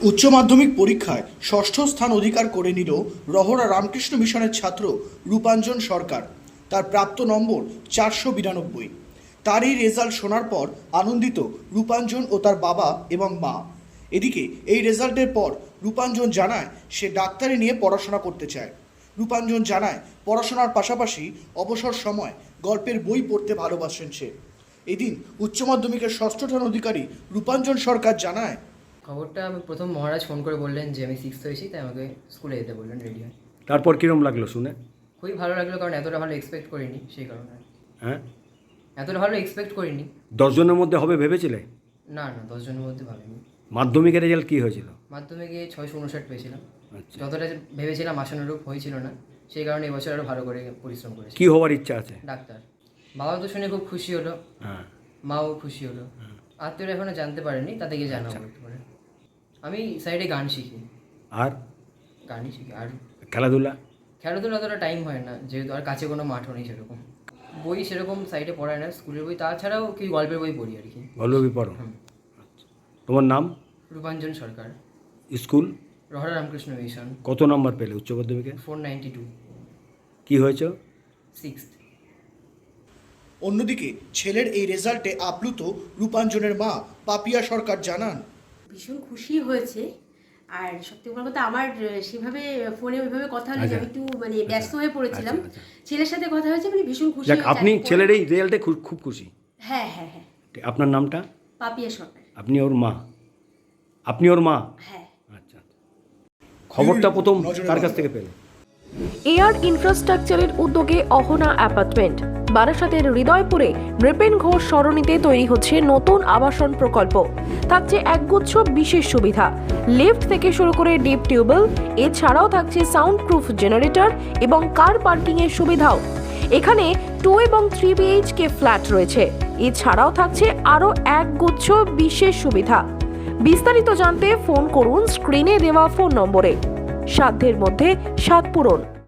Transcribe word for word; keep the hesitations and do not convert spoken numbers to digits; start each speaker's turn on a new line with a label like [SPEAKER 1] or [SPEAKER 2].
[SPEAKER 1] উচ্চ মাধ্যমিক পরীক্ষায় ষষ্ঠ স্থান অধিকার করে নিল রহরা রামকৃষ্ণ মিশনের ছাত্র রূপাঞ্জন সরকার। তার প্রাপ্ত নম্বর চারশো বিরানব্বই। তার এই রেজাল্ট শোনার পর আনন্দিত রূপাঞ্জন ও তার বাবা এবং মা। এদিকে এই রেজাল্টের পর রূপাঞ্জন জানায় সে ডাক্তারি নিয়ে পড়াশোনা করতে চায়। রূপাঞ্জন জানায় পড়াশোনার পাশাপাশি অবসর সময় গল্পের বই পড়তে ভালোবাসেন সে। এদিন উচ্চ মাধ্যমিকের ষষ্ঠ স্থান অধিকারী রূপাঞ্জন সরকার জানায়,
[SPEAKER 2] খবরটা আমি প্রথম মহারাজ ফোন করে বললেন যে আমি সিক্সথ হয়েছি, তাই আমাকে স্কুলে যেতে বললেন রেডি হয়ে।
[SPEAKER 3] তারপর কীরকম লাগলো শুনে?
[SPEAKER 2] খুবই ভালো লাগলো, কারণ এতটা ভালো এক্সপেক্ট করিনি, সেই কারণে।
[SPEAKER 3] হ্যাঁ,
[SPEAKER 2] এতটা ভালো এক্সপেক্ট করিনি।
[SPEAKER 3] দশজনের মধ্যে হবে ভেবেছিলে?
[SPEAKER 2] না না, দশজনের মধ্যে ভাবিনি।
[SPEAKER 3] মাধ্যমিকের রেজাল্ট কী হয়েছিল?
[SPEAKER 2] মাধ্যমিকে ছয়শো উনষাট পেয়েছিলাম।
[SPEAKER 3] আচ্ছা,
[SPEAKER 2] যতটা ভেবেছিলাম আশানুরূপ হয়েছিল না, সেই কারণে এবছর আরও ভালো করে পরিশ্রম করেছি।
[SPEAKER 3] কী হওয়ার ইচ্ছা আছে?
[SPEAKER 2] ডাক্তার। বাবা তো শুনে খুব খুশি হলো,
[SPEAKER 3] হ্যাঁ,
[SPEAKER 2] মাও খুশি হলো। আত্মীয়রা এখনো জানতে পারেনি, তাদেরকে জানাবো একটু পরে। আমি সাইডে গান শিখি।
[SPEAKER 3] আর
[SPEAKER 2] গানই শিখি। আর
[SPEAKER 3] খেলাধুলা?
[SPEAKER 2] খেলাধুলা অতটা টাইম হয় না, যেহেতু আর কাছে কোনো মাঠও নেই সেরকম। বই সেরকম সাইডে পড়ায় না, স্কুলের বই, তাছাড়াও কি গল্পের বই পড়ি আর কি।
[SPEAKER 3] গল্পবই পড়ো? আচ্ছা, তোমার নাম?
[SPEAKER 2] রূপাঞ্জন সরকার।
[SPEAKER 3] স্কুল?
[SPEAKER 2] রহরা রামকৃষ্ণ মিশন।
[SPEAKER 3] কত নম্বর পেলে উচ্চ মাধ্যমিকে?
[SPEAKER 2] Four ninety two.
[SPEAKER 3] কী হয়েছে?
[SPEAKER 2] সিক্সথ।
[SPEAKER 1] অন্যদিকে ছেলের এই রেজাল্টে আপ্লুত রূপাঞ্জনের মা পাপিয়া সরকার জানান,
[SPEAKER 4] ভীষণ খুশি হয়েছে। আর সত্যি বড় কথা, আমার সেভাবে ফোনে ওইভাবে কথা হলে
[SPEAKER 3] আচ্ছা,
[SPEAKER 4] আমি একটু মানে ব্যস্ত হয়ে পড়েছিলাম।
[SPEAKER 3] আচ্ছা, আচ্ছা।
[SPEAKER 4] ছেলের সাথে কথা হয়েছে, মানে ভীষণ খুশি
[SPEAKER 3] যাক,
[SPEAKER 4] হয়েছে।
[SPEAKER 3] আপনি
[SPEAKER 4] আর
[SPEAKER 3] ছেলের এই রেজাল্টে খুব খুব খুশি?
[SPEAKER 4] হ্যাঁ হ্যাঁ হ্যাঁ।
[SPEAKER 3] আপনার নামটা?
[SPEAKER 4] পাপিয়া সরকার।
[SPEAKER 3] আপনি ওর মা? আপনি ওর মা?
[SPEAKER 4] হ্যাঁ।
[SPEAKER 3] আচ্ছা, খবরটা প্রথম কার কাছ থেকে পেলে?
[SPEAKER 5] এয়ার ইনফ্রাস্ট্রাকচারের উদ্যোগে অহনা অ্যাপার্টমেন্ট, বারাসাতের হৃদয়পুরে নৃপেন ঘোষ সরণিতে তৈরি হচ্ছে নতুন আবাসন প্রকল্প। থাকছে একগুচ্ছ বিশেষ সুবিধা, লিফট থেকে শুরু করে ডিপ টিউবওয়েল, এছাড়াও থাকছে সাউন্ড প্রুফ জেনারেটর এবং কার পার্কিং এর সুবিধাও। এখানে টু এবং থ্রি বিএইচকে ফ্ল্যাট রয়েছে, এছাড়াও থাকছে আরও একগুচ্ছ বিশেষ সুবিধা। বিস্তারিত জানতে ফোন করুন স্ক্রিনে দেওয়া ফোন নম্বরে। সাধ্যের মধ্যে সাত পূরণ।